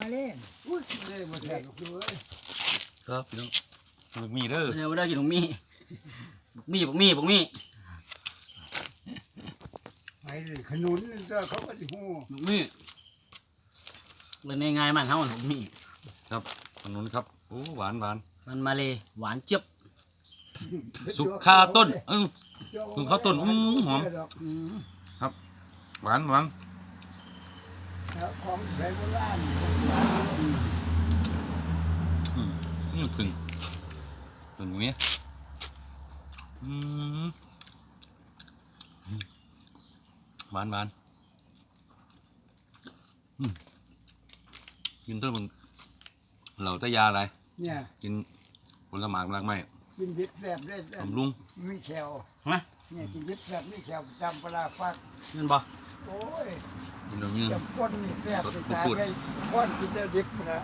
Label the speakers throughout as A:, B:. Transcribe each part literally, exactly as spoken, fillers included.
A: เล่น
B: อุ้ยเลยมาแทนกูเลย
C: ครับพี่น้องบักมีเด้อ
D: เดี๋ยวได้กินบักมี่บักมี่บักมี่บักมี่
B: ไอ้เลยขนุนนี่ก็เขาก็จะหู
D: บักมี่เลยในง่ายมันเท่าบักมี่
C: ครับขนุนครับโอ้หวานหวาน
D: มันมาเลยหวานเจี๊ยบ
C: สุกคาต้นเออ สุกข้าวต้นอื้อหอม
D: อืม
C: หวานหวาน
B: แล้วของแบโบราณ
C: อืมอืมถึงถึงตรงนี้อืมหวานหวานอืมกินต้นมันเหล่าตะยาอะไร
B: เนี่ย
C: กินผลไม้รากไม้
B: กินดิบแซ่บได้
C: บำรุง
B: มีแขว
D: นะ
B: เนี่ยกินดิบแซ่บมีแขวจำปลาฟัก
D: เงินบ่
B: โอ้ย
C: กินแล้วยืน
B: จะป้นนี่แซ่บจะตายไปป้อนกินได้ดิบนะ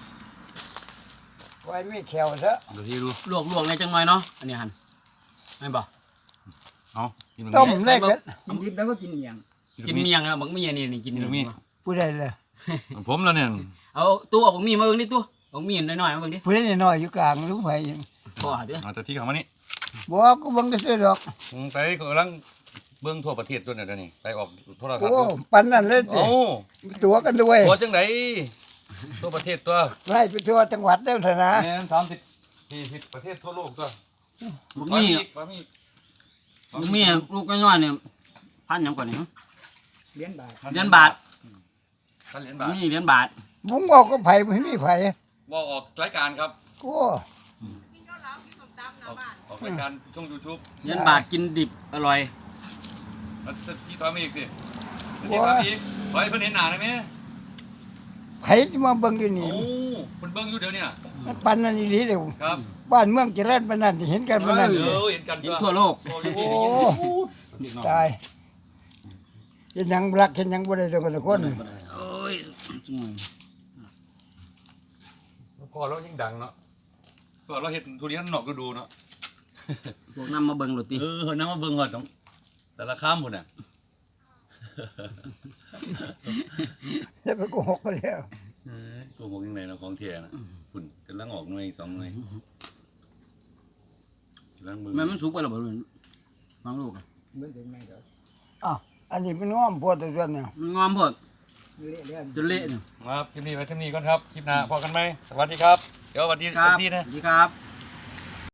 B: ไว้มีแขวซะ
C: เดี๋ยวที่ดู
D: ลวกลวกในจังหน่อยเนาะอันนี้หันไม่บ่
C: เอากินตรง
B: ต้ม
C: นี้
B: ได้กัน
A: กินดิบแล้วก็กินเมียง
D: กินเมียงนะบักมี่อันนี้นี่กิน
C: กินตรงนี้
B: ผู้ใดเลย
C: ผมแล้วเนี่ย
D: เอาตู้เอาบักมี่มาเบิ่งดิตู้บักมี่น้อยๆมาเบิ่งดิ
B: ผู้ใดน้อยอยู่กลางรู้ไผ
D: พอเด้อ
C: เอาแต่ที่เขามานี่
B: บอกก็เบังได้ซื้อดอก
C: ผมไปกำลังเบื้องทั่วประเทศตัวเนี่ยเดี๋ยวนี้ไปออกโทรทัศน์
B: โอ้
C: ดู
B: ปันนั่นเลยสิ
C: โอ้
B: ตัวกันด้วย
C: ตัวจังไหนทั่วประเทศตัว
B: ไล่ไปทั่วจังหวัดได้เถอะนะ
C: แม่นสามสิบสี่สิบประเทศทั่วโลกตัว
D: บักมี่
C: ปลาหมี
D: บักมี่ลูกน้อยๆเนี่ยพันหยังก่อนนี่
A: เลี้ยนบาท
D: เหรียญบาท
C: พันเหรียญ
D: บั
C: บาก ท
D: มี่เหรียญบาท
B: บุ้งบอกก็ไผ่ไม่มีไผ่
C: ว่าออกรายการครับ
B: ก็
C: ออกออกรายการช่องยูทูบ
D: เหรียญบาทกินดิบอร่อย
C: แล้วที่ทำอีกสิที่ทำอีกไว้เพิ่นเห็นหนาได้ไหม
B: ไผ่จะมาเบิ่งอยู่นี่
C: โอ้เพิ่นเบิ่งอยู่เดี๋ยวนี้น่ะ
B: มันปันนั่นอีหลีเดียว
C: ครับ
B: บ้านเมืองเจริญปานนั้นเห็นกันปานนั้น
C: เออเห็นกัน
D: เห็นทั่วโลก
C: โอ้
B: โอ้
C: ย
B: ตายเห็นหยังรักเห็นหยังบ่ได้ดอกกันละคน
D: โอ้ย
C: พอเรายิ่งดังเนาะพอเราเห็นทุเรียนนอกก็ดูเนาะ
D: พวกนำมาเบิ่งโรตี
C: เออเฮ้ยน้ำมาเบิ่งก่อนต้องแต่ละข้ามหมดน่ะ
B: จะไปโกหกกันแล้ว
C: เออโกหกยังไงเนาะของเทียนะคุณกำลังออกหน่วยสองหน่วยกำลังเบิ่ง
D: แม่มันสุกไปแล้วบ่รู้ฟังลูกอะ
A: เหมือนถึงไงเด้อ
B: อ้าวอันนี้เป็นง้อมพวดตัวเนี่ย
D: มันงอมพด
A: เละเลื่อน
D: จนเละเนี่ย
C: ครับคลิปนี้ไว้เท่านี้ก่อนครับคลิปหน้าพอกันไหมสวัสดีครับเดี๋ยวสวัสดี
D: ครับ
C: ซีนะ
D: สวัสดีครับ